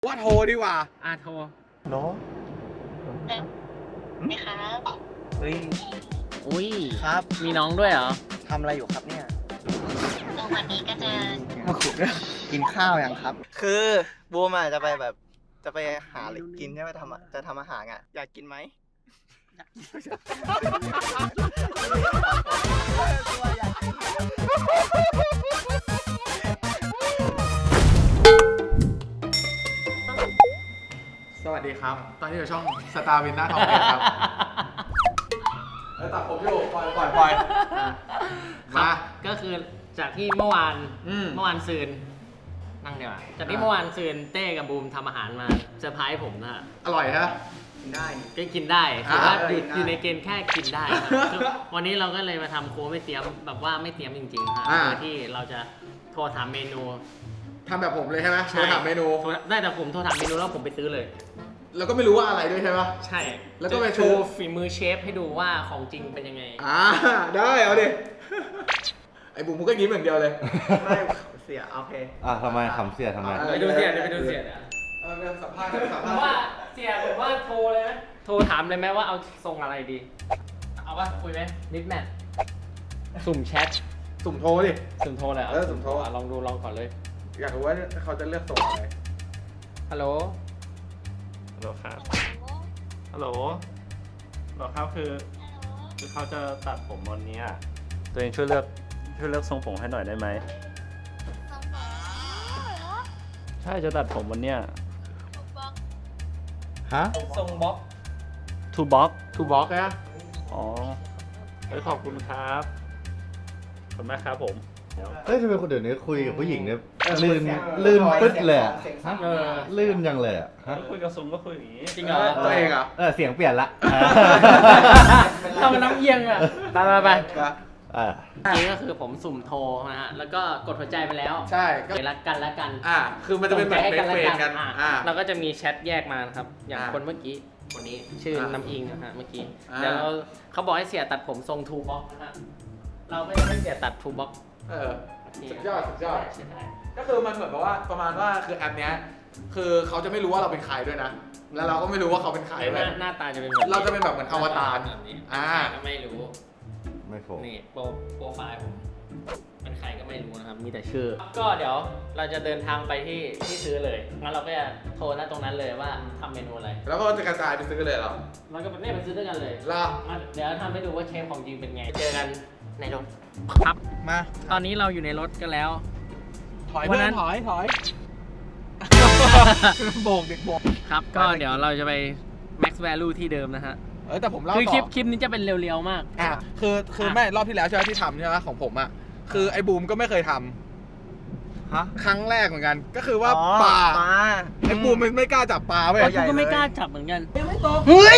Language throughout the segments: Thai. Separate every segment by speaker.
Speaker 1: ว่าโทรดีกว่า
Speaker 2: โทร
Speaker 3: โน้
Speaker 4: ไหมครับ
Speaker 3: เฮ้ย
Speaker 2: อุ้ย
Speaker 3: ครับ
Speaker 2: มีน้องด้วยเหรอ
Speaker 3: ทำอะไรอยู่ครับเนี่ย
Speaker 4: ตรงวันนี้ก็จะ
Speaker 3: กินข้าวยังครับ คือบูมจะไปแบบจะไปหาอะไรกินใช่ไหมจะทำอาหารอยากกินไหม
Speaker 1: สวัสดีครับตอนนี้อยู่ช่องสตาร์วินหน้าทองครับแล้วตัดผมอยู่ปล่อยมา
Speaker 2: ก็คือจากที่เมื่อวานซืนนั่งเดี๋ยวจากที่เมื่อวานซืนเต้กับบูมทำอาหารมาเซอร์ไพรส์ผมนะ
Speaker 1: อร่อยฮะ
Speaker 3: กินได้
Speaker 2: ก็กินได้ถือว่าอยู่ในเกณฑ์แค่กินได้วันนี้เราก็เลยมาทำโค้ไม่เตรียมแบบว่าไม่เตรียมจริงๆครับโดยที่เราจะโทรถามเมนู
Speaker 1: ทำแบบผมเลยใช่ไหมโทรถามเมนู
Speaker 2: ได้แต่ผมโทรถามเมนูแล้วผมไปซื้อเลย
Speaker 1: แล้วก็ไม่รู้ว่าอะไรด้วยใช่ไหม
Speaker 2: ใช่
Speaker 1: แล้วก็ไป
Speaker 2: โชว์ฝีมือเชฟให้ดูว่าของจริงเป็นยังไง
Speaker 1: ได้เอาดิไอ้บุ๋มมึงก็ยิ้มอย่างเดียวเลย
Speaker 3: ไม่เสียโอเค
Speaker 5: ทำไมขำเสียทำไม
Speaker 2: ไปดูเสีย
Speaker 1: สัมภาษณ์
Speaker 2: ผมว่าเสียผมว่าโทรเลยไหมโทรถามเลยไหมว่าเอาทรงอะไรดีเอาป่ะคุยไหมนิดแมทสุ่มแชท
Speaker 1: สุ่มโทรดิ
Speaker 2: สุ่มโทรเลย
Speaker 1: สุ่มโทร
Speaker 2: ลองก่อนเลย
Speaker 1: อยากรู้ว่าเขาจะเลือกส่งอะไร
Speaker 2: ฮัลโหล
Speaker 6: ครับฮัลโหลครับคือเขาจะตัดผมวันนี้ตัวเองช่วยเลือกทรงผมให้หน่อยได้ไหมใช่จะตัดผมวันเนี้ย
Speaker 5: ฮะ
Speaker 2: ทรงบ็อก
Speaker 6: ทูบ็อก
Speaker 1: นะ
Speaker 6: อ๋อขอบคุณครับขอบคุณมากครับผม
Speaker 5: เฮ้ยทำไมคนเดี๋ยวนี้คุยกับผู้หญิงเนี่ยลื่นปึ๊ดเลยอะลื่นยังเลยอะ
Speaker 6: คุยกับซุงก็คุยอย่างนี้
Speaker 2: จริงเหรอ
Speaker 1: ตัวเองเหรอ
Speaker 5: เสียงเปลี่ยนละ
Speaker 2: ทำมันน้ำเอียงอ่ะไปจริงก็คือผมสุ่มโทรนะฮะแล้วก็กดหัวใจไปแล้ว
Speaker 1: ใช่
Speaker 2: ก็รักกัน
Speaker 1: คือมันจะเป็นแบบเฟรนกัน
Speaker 2: เราก็จะมีแชทแยกมานะครับอย่างคนเมื่อกี้คนนี้ชื่อน้ำอิงนะฮะเมื่อกี้เดี๋ยวเขาบอกให้เสียตัดผมทรงทูบ็อกนะฮะเราไม่ได้ให้เสียตัดทูบ็อก
Speaker 1: สุดยอดก็คือมันเหมือนกับว่าประมาณว่าคือแอปเนี้ยคือเขาจะไม่รู้ว่าเราเป็นใครด้วยนะแล้วเราก็ไม่รู้ว่าเขาเป็นใคร
Speaker 2: หน้าตาจะเป็นแบบ
Speaker 1: เราจะเป็นแบบเหมือนอวตาร
Speaker 2: แบบนี้ก็ไม่รู้นี่โปรไฟล์ผมเป็นใครก็ไม่รู้นะครับมีแต่ชื่อก็เดี๋ยวเราจะเดินทางไปที่ซื้อเลยงั้นเราก็จะโทรตรงนั้นเลยว่าทำเมนูอะไร
Speaker 1: แล้วก็จะกระจายไปซื้อเลยเหรอ
Speaker 2: มันก็ไม่ไปซื้อด้วยกันเลยเดี๋ยวทำให้ดูว่าเชฟของจริงเป็นไงเจอกันในรถครับ
Speaker 1: มา
Speaker 2: ตอนนี้เราอยู่ในรถกันแล้ว
Speaker 1: ถอยโบกเด็กโบก
Speaker 2: ครับก็เดี๋ยวเราจะไป max value ที่เดิมนะฮะ
Speaker 1: แต่ผมเล่าต่อ
Speaker 2: คือคลิปนี้จะเป็นเร็วๆมาก
Speaker 1: คือแม่รอบที่แล้วใช่ไหมที่ทำใช่ไหมของผมคือไอ้บูมก็ไม่เคยทำครั้งแรกเหมือนกันก็คือว่าปลาไอ้บูมไม่กล้าจับปลาเว้ย
Speaker 2: กูก็ไม่กล้าจับเหมือนกัน
Speaker 3: เฮ้ย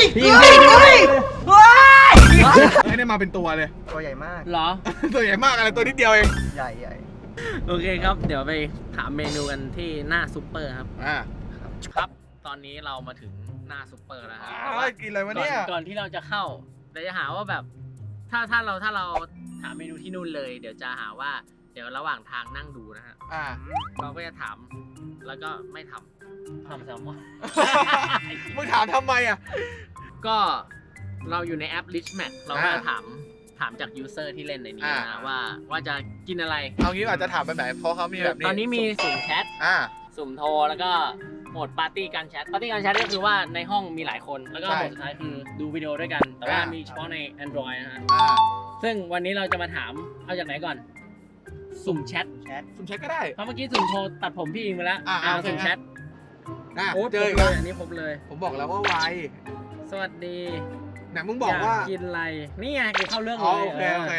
Speaker 1: ไม่ได้มาเป็นตัวเลย
Speaker 3: ตัวใหญ่มาก
Speaker 2: เหรอ
Speaker 1: ตัวใหญ่มากอะไรตัวนิดเดียวเอง
Speaker 3: ใหญ่
Speaker 2: โอเคครับเดี๋ยวไปถามเมนูกันที่หน้าซุปเปอร์ครับครับตอนนี้เรามาถึงหน้าซุปเปอร์แล้วครับ
Speaker 1: กินอะไรวะเนี่ย
Speaker 2: ก่อนที่เราจะเข้าเราจะหาว่าแบบถ้าเราถามเมนูที่นู่นเลยเดี๋ยวจะหาว่าเดี๋ยวระหว่างทางนั่งดูนะฮะเราก็จะถามแล้วก็ไม่ทำแซลมอน
Speaker 1: มึงถามทำไม
Speaker 2: ก็เราอยู่ในแอป Rich Match เราก็ถามจากยูเซอร์ที่เล่นในนี้นะว่าจะกินอะไร
Speaker 1: เอางี้อาจจะถามแบบไหนเพราะเขามีแบบนี้
Speaker 2: ตอนนี้มีสุ่มแชทสุ่มโทรแล้วก็โหมดปาร์ตี้การแชทก็คือว่าในห้องมีหลายคนแล้วก็โหมดสุดท้ายคือดูวิดีโอด้วยกันแต่ว่ามีเฉพาะใน Android นะฮะซึ่งวันนี้เราจะมาถามเอาจากไหนก่อนสุ่มแชท
Speaker 1: ก็ได้
Speaker 2: เพราะเมื่อกี้สุ่มโทรตัดผมพี่อิงไปแล้วสุ่มแชท
Speaker 1: โอ้เจอ
Speaker 2: เลยอันนี้พบเลย
Speaker 1: ผมบอกแล้วว่าไว
Speaker 2: สวัสดี
Speaker 1: ไหนมึงบอกว่า
Speaker 2: กินอะไรนี่ไงกูเข้าเรื่องเลย
Speaker 1: โอเค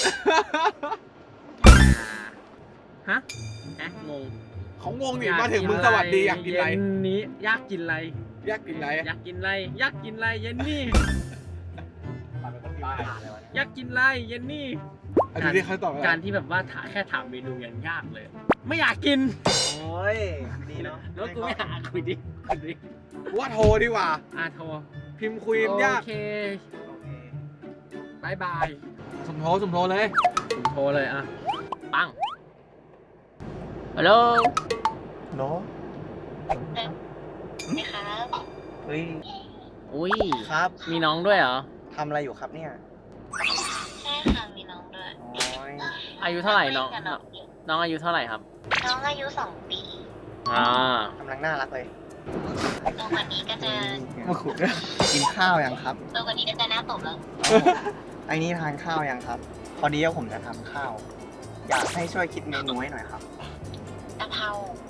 Speaker 2: ฮะงง
Speaker 1: เขางงดิมาถึงมึงสวัสดีอยากกินอะไร
Speaker 2: นี้อยากกินอะไร
Speaker 1: เย็นนี่
Speaker 2: อยากกินอะไรอยากกินอะไรเย็นนี่การที่แบบว่าแค่ถามเมนูยังยากเลยไม่อยากกิน
Speaker 3: โอ้ยดีเนาะ
Speaker 2: แล้วกูไม่หาคุยดิ
Speaker 1: ว่าโทรดีกว่า
Speaker 2: โทร
Speaker 1: พิมพ์คุยยาก
Speaker 2: โอเคบาย
Speaker 1: สุ่มโทรเลย
Speaker 2: ปังฮัลโหล
Speaker 3: โน้
Speaker 4: ไหมครับ
Speaker 3: เฮ้ย
Speaker 2: อุ้ย
Speaker 3: ครับ
Speaker 2: มีน้องด้วยเหรอ
Speaker 3: ทำอะไรอยู่ครับเนี่ย
Speaker 4: ใช่ค่ะมีน้องด้วย
Speaker 3: โอ้ย
Speaker 2: อายุเท่าไหร่น้อง
Speaker 4: เล่กับน้องอยู่
Speaker 2: น้องอายุเท่าไหร่ครับ
Speaker 4: น้องอายุ2 ปี
Speaker 2: อ่าก
Speaker 3: ำลังน่ารักเลย
Speaker 4: โตกว่านี้ก็จะ
Speaker 3: มาขุดกินข้าวยังครับ
Speaker 4: โตกว่านี้ก็จะหน้าตบแล้ว
Speaker 3: ไอ้นี่ทานข้าวยังครับ พอดีว่าผมจะทำข้าว อยากให้ช่วยคิดเมนูให้หน่อยครับ
Speaker 4: กะเพราก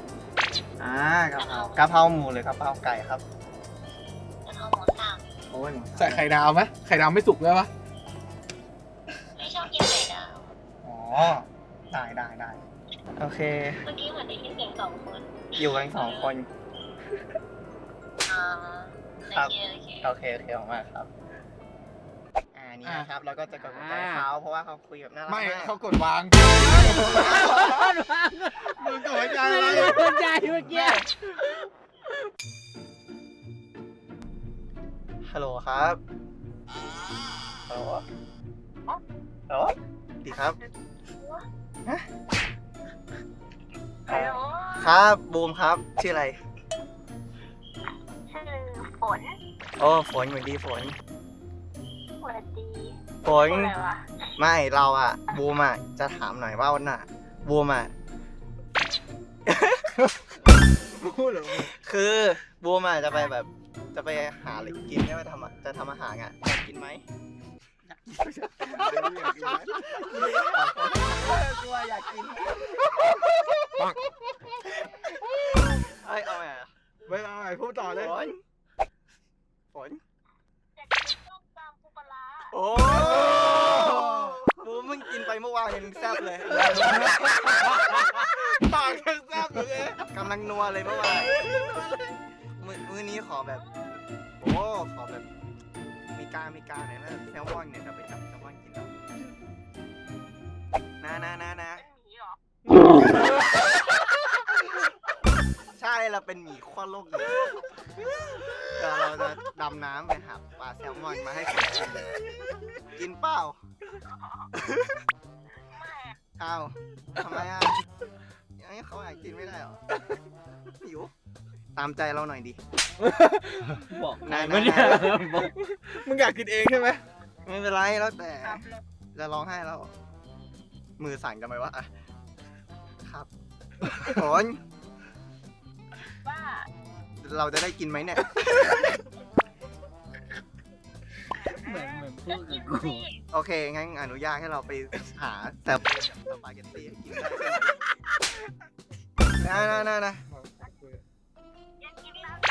Speaker 3: ะเพราหมูหรือกะเพราไก่ครับ
Speaker 4: กะเพราหมูสับ
Speaker 3: โอ้ย
Speaker 1: ใส่ไข่ดาวไหมไข่ดาวไม่สุกด้วยปะ
Speaker 4: ไม่ชอบกินไข่ดาว
Speaker 3: อ๋อ ได้ โอเค
Speaker 4: เมื่อกี้เหมือนได้ยินเสียง2 คน
Speaker 3: อยู่กัน2 คน
Speaker 4: อ่า
Speaker 3: ครับ
Speaker 4: โอเค
Speaker 3: โอเคขอบคุณมากครับ นี่นะครับ เราก็จะกดหัวใจเขาเพราะว่าเขาคุยแบบน่ารัก
Speaker 1: ไม่
Speaker 3: มาก
Speaker 1: เขากดวางมึงกดหัวใจอะไร
Speaker 2: หัวใจเมื่อกี้
Speaker 3: ฮัลโหลครับฮัลโหลฮัลโหลดีครับฮะ
Speaker 4: ฮัลโหล
Speaker 3: ครับบูมครับชื่ออะไร
Speaker 4: ชื่อฝน
Speaker 3: โอ้ฝนเหมือนดีฝน
Speaker 4: สวัสดี
Speaker 3: ฝน
Speaker 4: อะไรวะ
Speaker 3: ไม่เราอ่ะบูมอ่ะจะถามหน่อยว่าวันน่ะบูมอ่ะ
Speaker 1: พูดเหรอ
Speaker 3: คือบูมอ่ะจะไปแบบจะไปหาอะไรกินใช่ไหมจะทำอาหารอ่ะอยากกินไหมกลัวอยากกินเอ้ยเอาไงอ่ะ
Speaker 1: ไม่เอาไอ้พูดต่อเลย
Speaker 3: ฝน
Speaker 4: อยากกินส้มตำปูปลาร้า
Speaker 3: โอ้บูมมึงกินไปเมื่อวานยังแซ่บเลย
Speaker 1: ปากยังแซ่บอยู่เลย
Speaker 3: กำลังนัวเลยเมื่อวานมื้อนี้ขอแบบโอ้ขอแบบมีกลางหน่อยนะแซลมอนเนี่ยจะไปจับแซลมอนกินแล้วนะ
Speaker 4: เป็นหมีเหรอ
Speaker 3: ใช่เราเป็นหมีขั้วโลกหนึ่งเดี๋ยวเราจะดำน้ำไปหาปลาแซลมอนมาให้คนกินกินเปล่า
Speaker 4: ไม่
Speaker 3: อ้าวทำไมอ่ะยังเขาอยากกินไม่ได้เหรอหิวตามใจเราหน่อยดิ
Speaker 2: บอก
Speaker 3: นาย
Speaker 2: ไม่ได้บอก
Speaker 1: มึงอยากกินเองใช่ไหม
Speaker 3: ไม่เป็นไรแล้วแต่
Speaker 4: ครับเลย
Speaker 3: จะร้องไห้แล้ว มือสั่นกันไหมวะอ่ะครับฝน
Speaker 4: ว่า
Speaker 3: เราจะได้กินไหมเนี่ย
Speaker 2: เหมือนพูดกับกู
Speaker 3: โอเค งั้นอนุญาตให้เราไปหาแต่สปาเกตตี้ให้กินได้ใช่ไหมนะ
Speaker 4: อยากกินแล้ว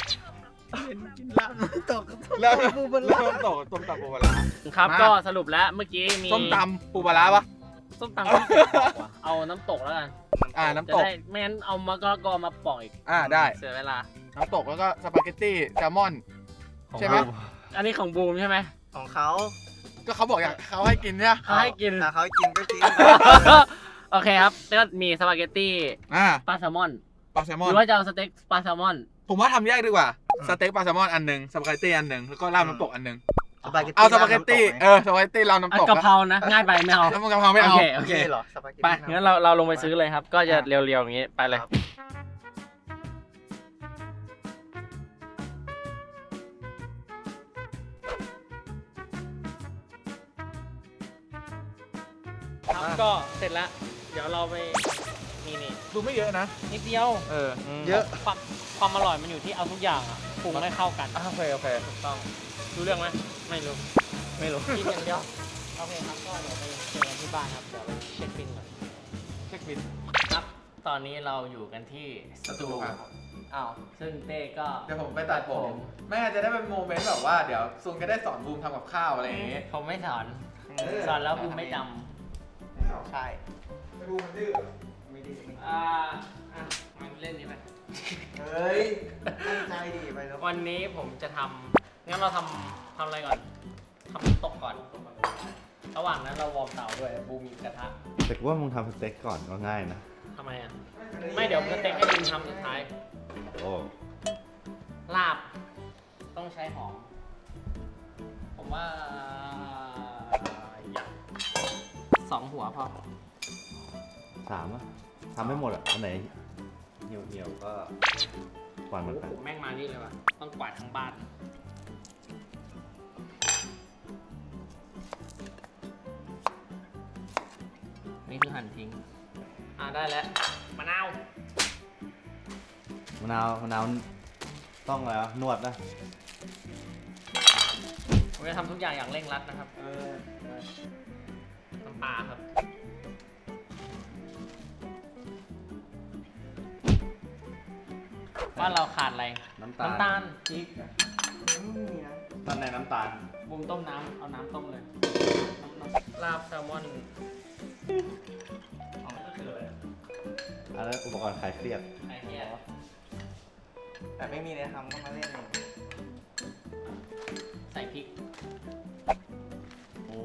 Speaker 1: แล้วปูปลาร้าต้มตกต้มตำปูปลาร้า
Speaker 2: ครับ
Speaker 1: มา
Speaker 2: ก็สรุปแล้วเมื่อกี้มี
Speaker 1: ส้มตำปูปลาร้าปะ
Speaker 2: ส้มตำที่เก็บปอกว่ะเอาน้ำตกแล้วกัน
Speaker 1: น้ำ
Speaker 2: จะ
Speaker 1: ตก
Speaker 2: ได้ไม่งั้นเอามะกอกอมาปอกอีก
Speaker 1: ได้
Speaker 2: เสียเวลา
Speaker 1: น้ำตกแล้วก็สปาเกตตี้แซลมอน ใช่ไหม
Speaker 2: อันนี้ของบูมใช่ไหม
Speaker 3: ของเขา
Speaker 1: ก็เขาบอกอยากเขาให้กินเนี่ย
Speaker 2: เขาให้กิน
Speaker 3: ถ้าเขากินก็กิน
Speaker 2: โอเคครับแล้วก็มีสปาเกตตี้ ปลาแซลมอน
Speaker 1: ปลาแซลม
Speaker 2: ห
Speaker 1: อน
Speaker 2: รือว่าจะเอาสเต็กปลาแซลมอน
Speaker 1: ผมว่าทำแยกดีกว่า สเต็กปลาแซลมอนอันหนึ่งสปาเกตตี้อันหนึ่งแล้วก็ราดน้ำตกอันหนึ่ง
Speaker 3: สปาเกตตี้
Speaker 1: เอาสปาเกตตี้สปาเกตตี้ราดน้ำตก
Speaker 2: กะเพรานะ ง่ายไปไม่เอา
Speaker 1: น้ำกะเพราไม่เอา
Speaker 2: โอเค
Speaker 3: เหรอสปาเกตตี้
Speaker 2: ไปงั้นเราลงไปซื้อเลยครับ ก็จะเรียวๆอย่างนี้ไปเลย ครับก็เสร็จแล้ว เดี๋ยวเราไปนี่
Speaker 1: ดูไม่เยอะนะ
Speaker 2: นิดเดียว
Speaker 1: เยอะ
Speaker 2: ความอร่อยมันอยู่ที่เอาทุกอย่างอ่ะปรุงให้เข้ากัน
Speaker 1: โอเค
Speaker 2: ถูกต้องรู้เรื่องไหมไม่รู้
Speaker 3: ไม่รู้
Speaker 2: กินอย่างเดียวโอเคครับก็เดี๋ยวไปเจอกันที่บ้านครับเดี๋ยวไปเช็คบินก่อน
Speaker 1: เช็คบิน
Speaker 2: ครับ ตอนนี้เราอยู่กันที่สตู
Speaker 1: ครับ
Speaker 2: อ้าวซึ่งเต้ก็
Speaker 1: เดี๋ยวผมไปตัดผมแม่จะได้เป็นโมเมนต์แบบว่าเดี๋ยวซุนก็ได้สอนบูมทำกับข้าวอะไรอย่างงี้
Speaker 2: ผมไม่สอนสอนแล้วกูไม่จ
Speaker 3: ใช่
Speaker 1: บูมดื้อ
Speaker 3: ไม่ดี
Speaker 2: ำมันเล่นนี่ไป
Speaker 3: เฮ้ยตั้งใจดิไปแล้ว
Speaker 2: วันนี้ผมจะทำงั้นเราทำอะไรก่อนทำน้ำตกก่อน ระหว่างนั้นเราวอร์มเตาด้วยบูมีกระทะ
Speaker 5: แต่กูว่ามึงทำสเต็กก่อนก็ง่ายนะ
Speaker 2: ทำไมอ่ะ ไม่เดี๋ยวสเต็กให้บูมทำสุดท้าย
Speaker 5: โอ้
Speaker 2: ลาบ ต้องใช้หอม ผมว่าอยาก2 หัวพอ
Speaker 5: 3 อ่ะทำไม่หมดอ่ะ อันไหนเหี่ยวๆก็กวาดเหมือนกัน
Speaker 2: แม่งมานี่เลยว่ะต้องกวาดทั้งบ้าน นี่คือหั่นทิ้ง ได้แล้วมะนาว
Speaker 5: มะนาวต้องอะไรวะนวดนะ
Speaker 2: ผมจะทำทุกอย่างอย่างเร่งรัดนะครับ น้ำปลาครับ ว่าเราขาดอะไร
Speaker 5: น้ำตาล
Speaker 2: น้ำตาลพริก
Speaker 5: ตอนในน้ำตาล
Speaker 2: บุมต้มน้ำเอาน้ำต้มเลยลาบแซลมอนก็คืออะไร
Speaker 5: อันนั้นอุปกรณ์คลายเครียด
Speaker 2: ไอ้เนี่ย
Speaker 3: แต่ไม่มีอะไรทำก็มาเล่นเอง
Speaker 2: ใส่พริก
Speaker 3: โอ้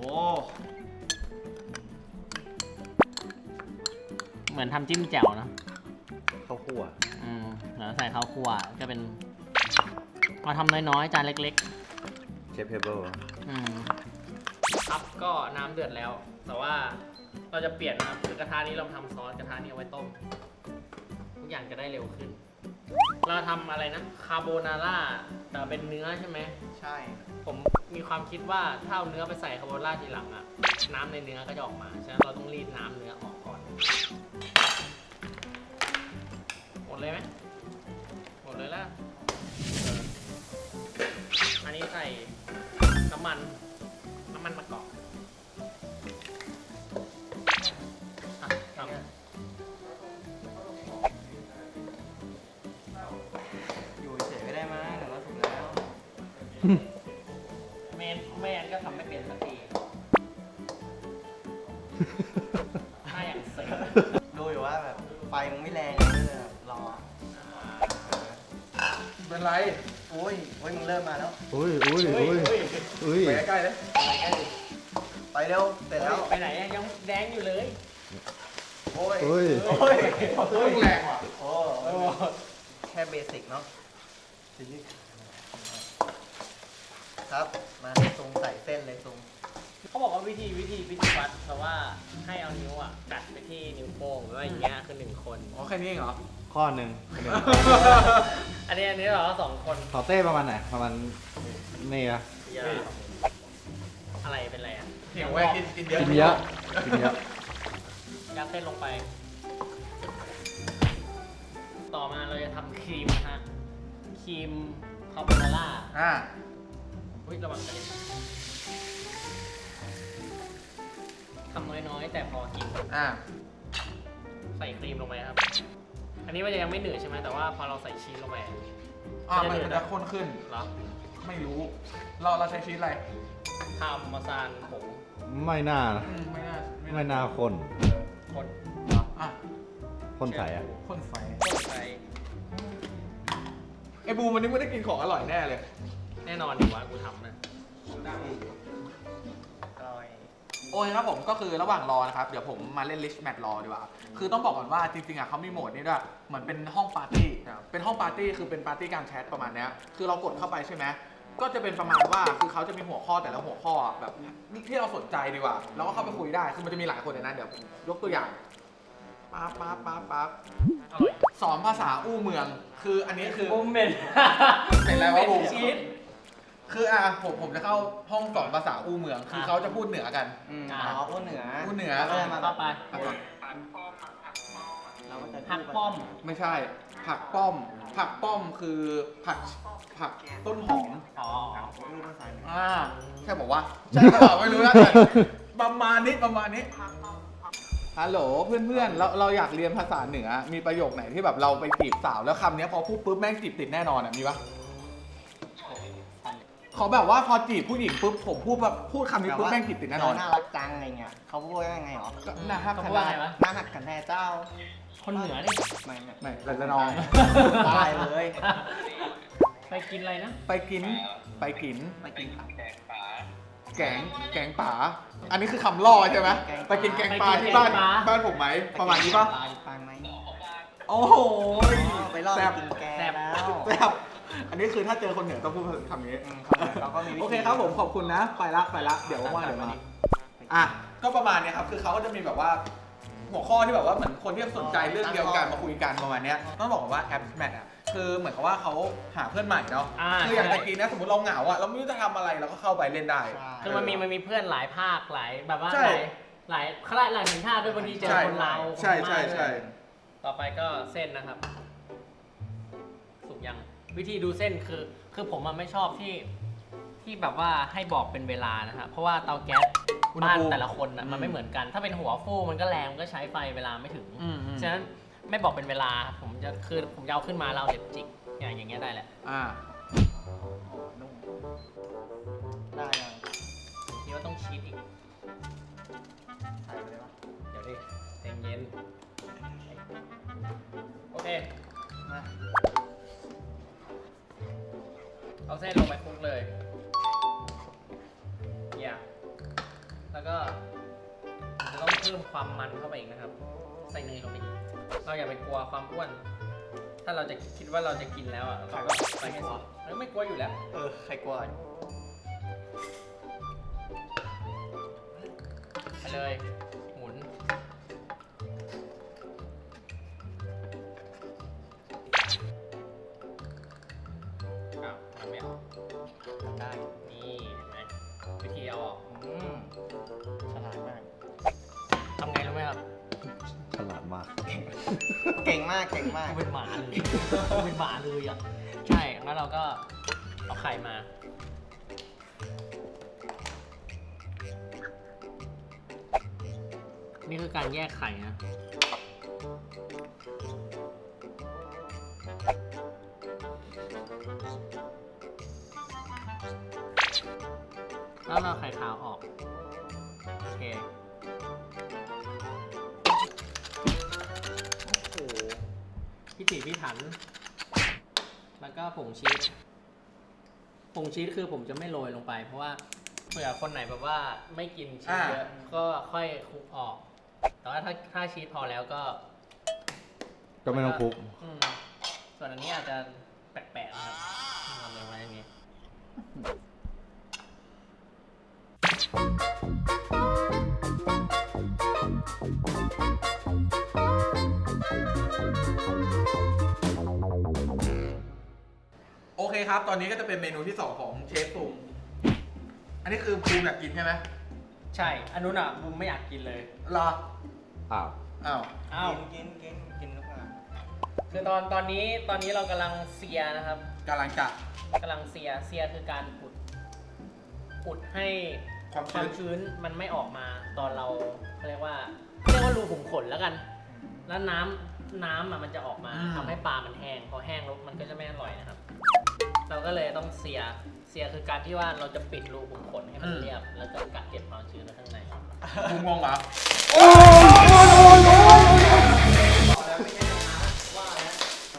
Speaker 2: เหมือนทำจิ้มแจ่วนะ
Speaker 5: ข้าวคั่ว
Speaker 2: แล้วใส่ข้าวคั่วก็เป็นมาทำน้อยๆ จานเล็ก
Speaker 5: เชฟเพเบิล
Speaker 2: ๆ ครับก็น้ำเดือดแล้ว แต่ว่าเราจะเปลี่ยนนะครับคือกระทะนี้เราทำซอสกระทะนี้เอาไว้ต้ม ทุกอย่างจะได้เร็วขึ้น เราทำอะไรนะคาโบนาร่าแต่เป็นเนื้อใช่ไหม
Speaker 3: ใช่
Speaker 2: ผมมีความคิดว่าถ้าเอาเนื้อไปใส่คาโบนาร่าทีหลังอะน้ำในเนื้อก็จะออกมาฉะนั้นเราต้องรีดน้ำเนื้อออกก่อนหมดเลยไหมหมดเลยแล้วอันนี้ใส่น้ำมันมะกอกครับ
Speaker 3: อยู่เฉยๆก็ได้มั้งเดี๋ยวเราถูกแล้ว
Speaker 2: แม่นก็ทำไม่เป็นสักทีถ้าอย่างเสร็จ
Speaker 3: ดูอยู่ว่าแบบไฟมันไม่แรงเลยแบบรอ
Speaker 1: เป็นไร
Speaker 3: โอ้ยมึงเริ่มมาแล้ว
Speaker 5: อุ้ย
Speaker 1: ไปใกล้ๆเลย
Speaker 3: ไปเร็ว เสร็จแล้ว
Speaker 2: ไปไหนอะยังแดงอยู่เลย
Speaker 3: โอ้ย
Speaker 5: อุ้ย
Speaker 3: โอ้ย
Speaker 1: แรงว่ะ
Speaker 3: โอ้แค่เบสิกเนาะ ครับ มาทรงใส่เส้นเลยทรง
Speaker 2: เขาบอกว่าวิธีวัดเพราะว่าให้เอานิ้วอ่ะกัดไปที่นิ้วโป้งหรือว่าอย่างเงี้ยคือ1 คน
Speaker 1: อ๋อแค่นี้เองเหรอ
Speaker 5: ข้อหนึ่ง
Speaker 2: อันนี้เรา2 คน
Speaker 5: ขอเต้ประมาณไหนประมาณนี่อะ
Speaker 2: อย่าอะไรเป็นไรอ่ะ
Speaker 1: เหี่ยวไว้กินเยอะ
Speaker 5: กินเยอะกินเยอะ
Speaker 2: ยัดเส้นลงไป ต่อมาเราจะทำครีมนะฮะครีมคาโบนาร่า อุ้ยระวังกระเด็นทำน้อยๆ แต่พอกิน ใส่ครีมลงไปครับ อันนี้มันจะยังไม่หนืดใช่ไหมแต่ว่าพอเราใส่ชีสลงไป
Speaker 1: มันจะข้นขึ้น
Speaker 2: แล้ว
Speaker 1: ไม่รู้ เราใช้ชีสอะไร
Speaker 2: ทำมาซานผง
Speaker 5: ไม่น่านะ
Speaker 1: ไม่น่า
Speaker 5: คน
Speaker 2: คน
Speaker 5: คนใสอะ
Speaker 1: ข้นไฟ
Speaker 2: คนใส่
Speaker 1: ไอ้บูมวันนี้ไม่ได้กินของอร่อยแน่เลย
Speaker 2: แน่นอนอยู่ว่ากูทำนะ
Speaker 1: โอ้ยครับผมก็คือระหว่างรอนะครับ เดี๋ยวผมมาเล่น Rich Match รอดีกว่า คือต้องบอกก่อนว่าจริงๆอ่ะเขามีโหมดนี้ด้วยเหมือนเป็นห้องปาร์ตี้ เป็นห้องปาร์ตี้คือเป็นปาร์ตี้การแชทประมาณเนี้ยคือเรากดเข้าไปใช่ไหมก็จะเป็นประมาณว่าคือเขาจะมีหัวข้อแต่ละหัวข้อแบบที่เราสนใจดีกว่าเราก็เข้าไปคุยได้ คือมันจะมีหลายคนในนั้นเดี๋ยวยกตัวอย่างปั๊บ
Speaker 2: อร่อย
Speaker 1: สอนภาษาอู้เมือง คืออันนี้คือ
Speaker 2: บุมเมน
Speaker 1: เป็นอะไรวะบูม
Speaker 2: ชีส
Speaker 1: คือผมจะเข้าห้องสอนภาษาอู้เมือง คือเขาจะพูดเหนือกัน
Speaker 3: พูดเหนือ
Speaker 1: พูดเหนือ
Speaker 3: ก็จะมา
Speaker 2: เข้าไป
Speaker 3: เราก็จะ
Speaker 2: หักป้อม
Speaker 1: ไม่ใช่ ผักป้อม ผักป้อมคือผักต้นหอม
Speaker 2: อ๋อ
Speaker 3: รูปภาษา
Speaker 1: ใช่บอกว่าใช่หรือเปล่าไม่รู้นะแต่ประมาณนี้ฮัลโหลเพื่อนๆเราอยากเรียนภาษาเหนือ มีประโยคไหนที่แบบเราไปจีบสาวแล้วคำนี้พอพูดปุ๊บแม่งจีบติดแน่นอนอ่ะมีปะขอแบบว่าพอจีบผู้หญิงปุ๊บผมพูดคำนี้ปุ๊บแม่งจีบติดแน่นอน
Speaker 3: น่ารักจังอะไรเงี้ยเขาพูดว่ายังไงหรอ
Speaker 1: ก็นะครับ
Speaker 2: เขาพูดว่าไงวะ
Speaker 3: น่าหักกันแน่เจ้า
Speaker 2: คนเหนือนี่
Speaker 3: ไม่
Speaker 1: ละนอง
Speaker 3: ได้เลย
Speaker 2: ไปกินอะไรนะ
Speaker 1: ไปกิน
Speaker 3: ไปกิน
Speaker 1: แกงป่า อันนี้คือคำล่อใช่ไหมไปกินแกงปลาที่บ้านผมไหมประมาณนี้ปะ
Speaker 3: ปางไหม
Speaker 1: โอ้โห
Speaker 3: ไปรอบ
Speaker 1: แซ่บ
Speaker 3: กินแกแล้ว
Speaker 1: แซ่บอันนี้คือถ้าเจอคนเหนือต้องพูดคำนี้
Speaker 3: เราก็มีวิธี
Speaker 1: โอเคครับผมขอบคุณนะ ไปละเดี๋ยวว่างๆเดี๋ยวมาก็ประมาณเนี้ยครับคือเขาก็จะมีแบบว่า หัวข้อที่แบบว่าเหมือนคนที่สนใจเรื่องเดียวกันมาคุยกันประมาณเนี้ยต้องบอกว่าแอปแมทอ่ะคือคือเหมือนกับว่าเขาหาเพื่อนใหม่เนาะ คืออย่าง
Speaker 2: ใช่
Speaker 1: ตะกี้เนะสมมติเราเหงาอะเราไม่รู้จะทำอะไรเราก็เข้าไปเล่นได้
Speaker 2: คือมันมีเพื่อนหลายภาคหลายแบบว่า
Speaker 1: ใช่
Speaker 2: หลายคณะหลายสัญชาติด้วยบางทีเจอคนลาว
Speaker 1: ใช่
Speaker 2: คนพ
Speaker 1: ใช่
Speaker 2: ม่า
Speaker 1: ใช่
Speaker 2: ต่อไปก็เส้นนะครับ สุกยังวิธีดูเส้นคือผมมันไม่ชอบที่แบบว่าให้บอกเป็นเวลานะฮะเพราะว่าเตาแก๊ส
Speaker 1: อุณห
Speaker 2: บ้าน
Speaker 1: ภูมิ
Speaker 2: แต่ละคนนะมันไม่เหมือนกัน ถ้าเป็นหัวฟูมันก็แรงมันก็ใช้ไฟเวลาไม่ถึง ฉะนั้นไม่บอกเป็นเวลาผมจะเอาขึ้นมาแล้วเอาเล็บจิกอย่างเงี้ยได้แหละ
Speaker 1: อ่า
Speaker 3: ได้ยัง
Speaker 2: นี่ว่าต้องชีสอีก
Speaker 3: ใส่ไปเลยปะ
Speaker 2: เดี๋ยวดิใจเย็นโอเค
Speaker 3: มา
Speaker 2: เอาเส้นลงไปคลุกเลยแล้วก็จะต้องเพิ่มความมันเข้าไปอีกนะครับ ใส่เนยลงไปอีก เราอย่าไปกลัวความอ้วน ถ้าเราจะคิดว่าเราจะกินแล้วอ่ะเราก็ใส่ให้สุดแล้วไม่กลัวอยู่แล้ว
Speaker 3: ใครกลัว
Speaker 2: ไปเลย หมุนอ้าวมันไม่ออกได้นี่เห็นไหมวิธีเอาออก
Speaker 3: ฉลาดมาก
Speaker 2: ทำไงรู้ไหมครับ
Speaker 5: ฉลาดมาก
Speaker 3: เก่งมาก เก่งมาก
Speaker 2: กูเป็นหมาเลยกูเป็นหมาเลยอ่ะ ใช่งั้นเราก็เอาไข่มา นี่คือการแยกไข่นะ แล้วเราไข่ขาวออก โอเค โอ้โหพิถีพิถัน แล้วก็ผงชีส ผงชีสคือผมจะไม่โรยลงไป เพราะว่าเผื่อคนไหนแบบว่าไม่กินชีสเยอะ ก็ค่อยคลุกออก แต่ว่าถ้าชีสพอแล้วก็
Speaker 5: ก็ไม่ต้องคลุก
Speaker 2: อืมส่วนอันนี้อาจจะแปลกๆนะครับทำเลยไว้อย่างนี้
Speaker 1: โอเคครับ ตอนนี้ก็จะเป็นเมนูที่ 2 ของเชฟภูมิอันนี้คือภูมิอยากกินใช่ไหม
Speaker 2: ใช่ อันนู้นอ่ะบุมไม่อยากกินเลย
Speaker 1: รอ
Speaker 5: อ้าว
Speaker 1: อ้าว
Speaker 2: อ้าว
Speaker 3: กินหรือเปล่า
Speaker 2: คือตอนนี้เรากำลังเซียนะครับ
Speaker 1: กำลังจะ
Speaker 2: กำลังเซียคือการอุดให้
Speaker 1: ความ
Speaker 2: ความ
Speaker 1: ชื้น
Speaker 2: ชื้นมันไม่ออกมาตอนเราเขาเรียกว่ารูขุมขนแล้วกัน แล้วน้ำอ่ะมันจะออกมาทำให้ปลามันแห้งพอแห้งแล้วมันก็จะไม่อร่อยนะครับ เราก็เลยต้องเซียคือการที่ว่าเราจะปิดรูขุมขนให้มันเรียบ แล้วก็กักเก็บความชื้นไว้ข้างใน
Speaker 1: ภูมิงงเหรอ
Speaker 2: ว่าแล้ว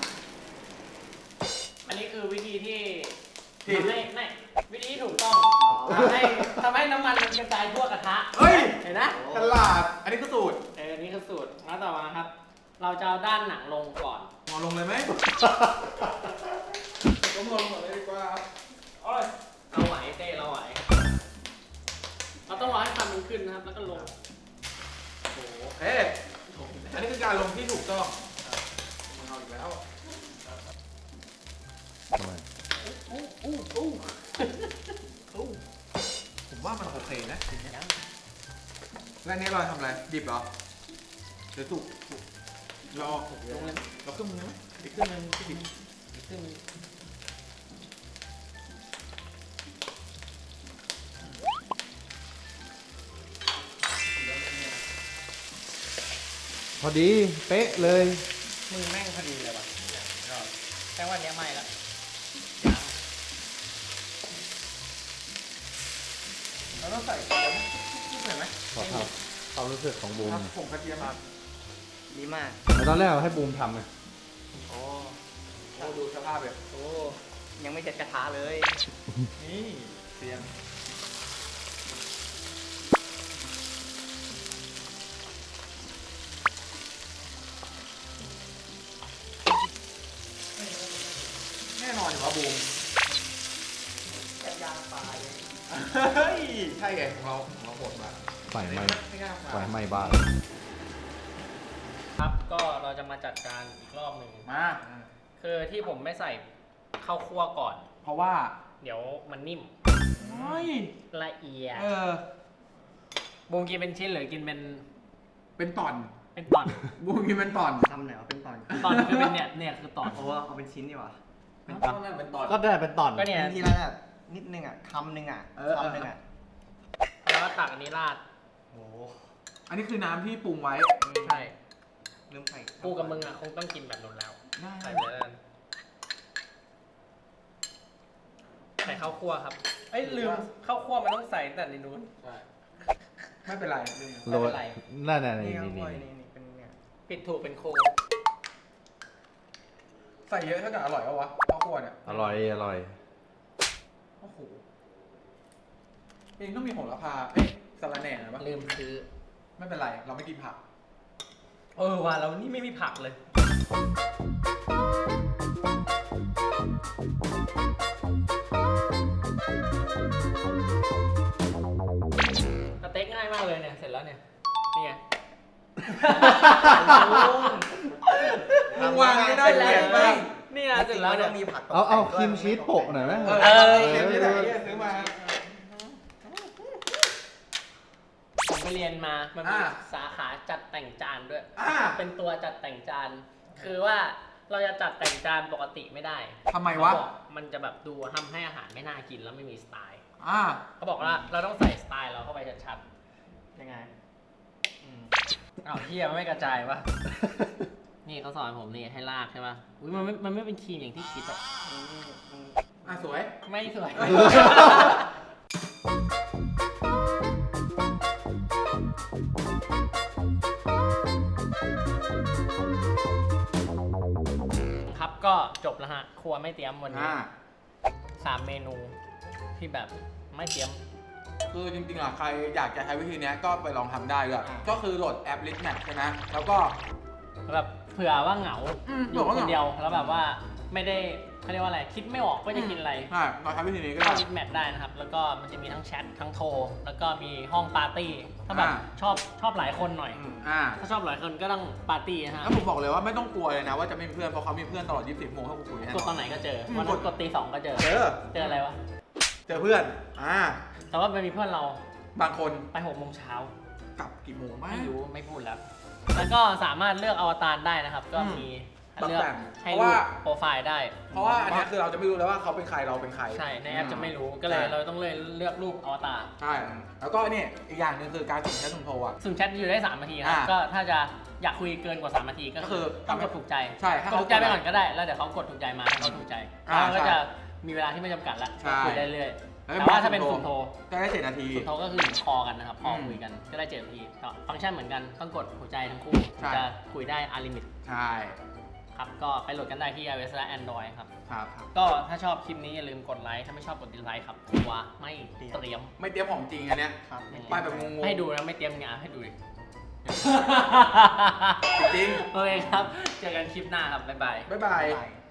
Speaker 2: อันนี้คือวิธีที่ไม่วิธีที่ถูกต้องทำให้น้ำมันมันกระจายทั่วกระทะ
Speaker 1: เฮ้ย
Speaker 2: เห็นนะ
Speaker 1: ฉลาด อันนี้คือสูตร
Speaker 2: อันนี้คือสูตรแล้วต่อมาครับ เราจะเอาด้านหนังลงก่อน
Speaker 1: งอลงเลยไหมก็งอลงเลยดีกว่า
Speaker 2: เราไหวเต้เราไหว เราต้องรอให้ควันมันขึ้นนะครับ แล้วก็ลง
Speaker 1: โอเค อันนี้คือการลงที่ถูกต้องมึงเอาอีกแล้ว
Speaker 5: ทำไม
Speaker 1: ผมว่ามันโอเคนะทีเนี้ยแล้วอันนี้เราทำอะไร ดิบเหรอหรือสุกเราออกลงเลยเราขึ้นมือไหมอีกขึ้นนึงที่ดิบ
Speaker 2: อีกครึ่งนึง
Speaker 5: พอดี เป๊ะเลย
Speaker 2: มือแม่งพอดีเลยว่ะแค่วันนี้ไม่ละ
Speaker 1: เราต้องใส่เกลือไหมนิดหน่อยไหม
Speaker 5: ขอทำความรู้สึกของบูม
Speaker 1: ครับผงกระเทียมมา
Speaker 3: ดีมาก
Speaker 5: แต่ตอนแรกเราให้บูมทำไง
Speaker 3: โอ้
Speaker 1: โอ้ดูสภาพแบบ
Speaker 3: โหยังไม่เสร็จกระทะเลย
Speaker 1: นี่เสียงแน่นอนอยู่ว่าบูม
Speaker 3: แบบยางปลาเลย
Speaker 1: เฮ้ย ใช่ไงของเราโหดมาก
Speaker 5: ไฟไหม้
Speaker 1: ไม่ง่าย
Speaker 5: ไฟไหม้บ้าน
Speaker 2: ครับ ก็เราจะมาจัดการอีกรอบหนึ่ง
Speaker 1: มา
Speaker 2: คือที่ผมไม่ใส่ข้าวคั่วก่อน
Speaker 1: เพราะว่า
Speaker 2: เดี๋ยวมันนิ่ม
Speaker 1: เฮ้ย
Speaker 2: ละเอียด
Speaker 1: บูม
Speaker 2: กินเป็นชิ้นหรือกินเป็น
Speaker 1: เป็นตอน
Speaker 2: เป็นตอน
Speaker 1: บูมกินเป็นตอน
Speaker 3: ทำไหนวะเป็นตอน
Speaker 2: ตอนคือเป็นเนี่ยคือตอน
Speaker 3: โอ้เอาเป็นชิ้นดีกว่า
Speaker 1: เป็นตอนนั่นเป็นตอน
Speaker 5: ก็ได้เป็นตอน
Speaker 2: ก็เนี่ย
Speaker 3: ทีละแบบนิดนึงอ่ะคำนึงอ่ะ
Speaker 1: เออ
Speaker 3: คำนึงอ่ะ
Speaker 2: แล้วก็ตักอันนี้ราด
Speaker 3: โอ้
Speaker 1: อันนี้คือน้ำที่ปรุงไว้
Speaker 2: ใช่
Speaker 3: ลืมใส่
Speaker 2: กูกับมึงอ่ะคงต้องกินแบบนู้นแล้ว
Speaker 1: ได้
Speaker 2: ใส่ไปเลยแล้วกันใส่ข้าวคั่วครับ เอ้ยลืมข้าวคั่วมันต้องใส่แต่ในนู้น
Speaker 1: ใช่ ไม่เป็นไร
Speaker 5: โรยนั่นน่ะ
Speaker 3: นี่
Speaker 5: นี่
Speaker 3: ครับ
Speaker 5: นี่
Speaker 3: พ่อ
Speaker 5: นี่
Speaker 3: นี่เป็นเนี่ย
Speaker 2: ผิดถูกเป็นโค
Speaker 1: ใส่เยอะเท่ากับอร่อยปะวะข้าวคั่วเนี่ย
Speaker 5: อร่อยอร่อย
Speaker 1: โอ้โหเองต้องมีโหระพาเอ้ยสะระแหน่นะปะ
Speaker 2: ลืมซื้อ
Speaker 1: ไม่เป็นไร เราไม่กินผัก
Speaker 2: เออว่ะเรานี่ไม่มีผักเลย สเต็กง่ายมากเลยเนี่ย เสร็จแล้วเนี่ย นี่ไง
Speaker 1: วางไม่ได้
Speaker 2: เสร็จ
Speaker 1: เล
Speaker 2: แล้ว
Speaker 1: ย
Speaker 2: ไม่นี่นะเสร็จแล้วเนี่ย
Speaker 3: มีผักตก
Speaker 5: เอา
Speaker 3: แต่ง
Speaker 5: ครีมชีสโปะหน่อยไหม
Speaker 1: เออ
Speaker 2: เออ
Speaker 1: เดี๋ยวที่ไหนเนี่ยซื้อมา
Speaker 2: ผมไปเรียนมา มันมี
Speaker 1: อ่า
Speaker 2: สาขาจัดแต่งจานด้วย
Speaker 1: อ่า
Speaker 2: เป็นตัวจัดแต่งจาน คือว่าเราจะจัดแต่งจานปกติไม่ได้
Speaker 1: ทำไมวะ
Speaker 2: เขาบอกมันจะแบบดูทำให้อาหารไม่น่ากินแล้วไม่มีสไตล์
Speaker 1: อ่า
Speaker 2: เขาบอกว่าเราต้องใส่สไตล์เราเข้าไปชัด
Speaker 3: ยังไง
Speaker 2: ๆอ้าวเฮียมันไม่กระจายวะ นี่เขาสอนผมนี่ให้ลากใช่ป่ะอุ้ยมันไม่เป็นครีมอย่างที่คิดอะ
Speaker 1: อ่ะสวย
Speaker 2: ไม่สวย ครับก็จบแล้วฮะ ครัวไม่เตรียมวันนี้
Speaker 1: อ่า
Speaker 2: 3 เมนูที่แบบไม่เตรียม
Speaker 1: คือจริงๆอ่ะใครอยากจะใช้วิธีเนี้ยก็ไปลองทำได้ด้วยก็คือโหลดแอป List Match ใช่ไหมแล้วก็
Speaker 2: แบบเผื่อว่าเหงา อยู่
Speaker 1: เผื่อว่า
Speaker 2: ค
Speaker 1: เห
Speaker 2: น
Speaker 1: งา
Speaker 2: เดียวแล้วแบบว่าไม่ได้เขาเรียกว่าอะไร คิดไม่ออกว่าจะกินอะไร
Speaker 1: ใช่เราใช้วิธีนี้ก็
Speaker 2: เข้า
Speaker 1: ได้
Speaker 2: ลิสต์แมทได้นะครับ แล้วก็มันจะมีทั้งแชททั้งโทร แล้วก็มีห้องปาร์ตี้ ถ้าแบบ
Speaker 1: อ่า
Speaker 2: ชอบหลายคนหน่อย
Speaker 1: อ่า
Speaker 2: ถ้าชอบหลายคนก็ต้องปาร์ตี้นะฮะ
Speaker 1: แล้วผมบอกเลยว่าไม่ต้องกลัวเลยนะว่าจะไม่มีเพื่อนเพราะเขามีเพื่อนตลอด 24 ชั่วโมงให้กูคุยแน่
Speaker 2: กดตอนไหนก็เจอ วันนั้นกดตี 2 ก็เจอ
Speaker 1: เจอ
Speaker 2: เจออะไรวะ
Speaker 1: เจอเพื่อน
Speaker 2: แต่ว่ามันมีเพื่อนเรา
Speaker 1: บางคน
Speaker 2: ไป6 โมงเช้าก
Speaker 1: ลับกี่โมงไม่
Speaker 2: ไม่รู้ไม่พูดแล้ว แล้วก็สามารถเลือกอวตารได้นะครับ ก็มีเลือกให้รูปโปรไฟล์ได้
Speaker 1: เพราะว่าอันเนี้ยคือเราจะไม่รู้เลยว่าเขาเป็นใครเราเป็นใคร
Speaker 2: ใช่ ในแอปจะไม่รู้ ก็เลยเราต้องเลยเลือกรูปอวตาร
Speaker 1: ใช่ แล้วก็นี่อีกอย่างหนึงคือการสุ่มแชทสุ่มโทรอ่ะ
Speaker 2: สุ่มแชทอยู่ได้3 นาทีครับ
Speaker 1: อ่า
Speaker 2: ก็ถ้าจะอยากคุยเกินกว่า3 นาทีก็
Speaker 1: ก็
Speaker 2: คื
Speaker 1: คือ อ
Speaker 2: ต้องกดถูกใจ
Speaker 1: ใช่ถ้าก
Speaker 2: ดถูกใจไปก่อนก็ได้ แล้วเดี๋ยวเขากดถูกใจมาให้เขาถูกใจ
Speaker 1: อ่า
Speaker 2: แล้วก็
Speaker 1: ใช่
Speaker 2: จะมีเวลาที่ไม่จำกัดแล้ว
Speaker 1: ใช่
Speaker 2: คุยได้เรื่อย
Speaker 1: แล้ว
Speaker 2: แต่ว่าถ้าเป็นสุ่มโทร
Speaker 1: จะได้7 นาที
Speaker 2: สุ่มโทรก็คือคอกันนะครับคอ
Speaker 1: อืม
Speaker 2: คุยกันก็ได้7 นาทีก็ฟังก์ชันเหมือนกันต้องกดหัวใจทั้งคู่
Speaker 1: ใช่
Speaker 2: จะคุยได้อาลิมิต
Speaker 1: ใช่
Speaker 2: ครับก็ไปโหลดกันได้ที่ iOS และ Android ครับ
Speaker 1: ครับ
Speaker 2: ก็ถ้าชอบคลิปนี้อย่าลืมกดไลค์ถ้าไม่ชอบกดดิสไลค์ครับครัวไม่เตรียม
Speaker 1: ไม่เตรียมของจริงอันเนี้ย
Speaker 3: ครับ
Speaker 1: ไปแบบงงๆ
Speaker 2: ให้ดูนะไม่เตรียมงานให้ดูดิ
Speaker 1: จริง
Speaker 2: โอเคครับ เจอกันคลิปหน้าครับ บ๊ายบาย
Speaker 1: บ๊ายบาย
Speaker 3: ได้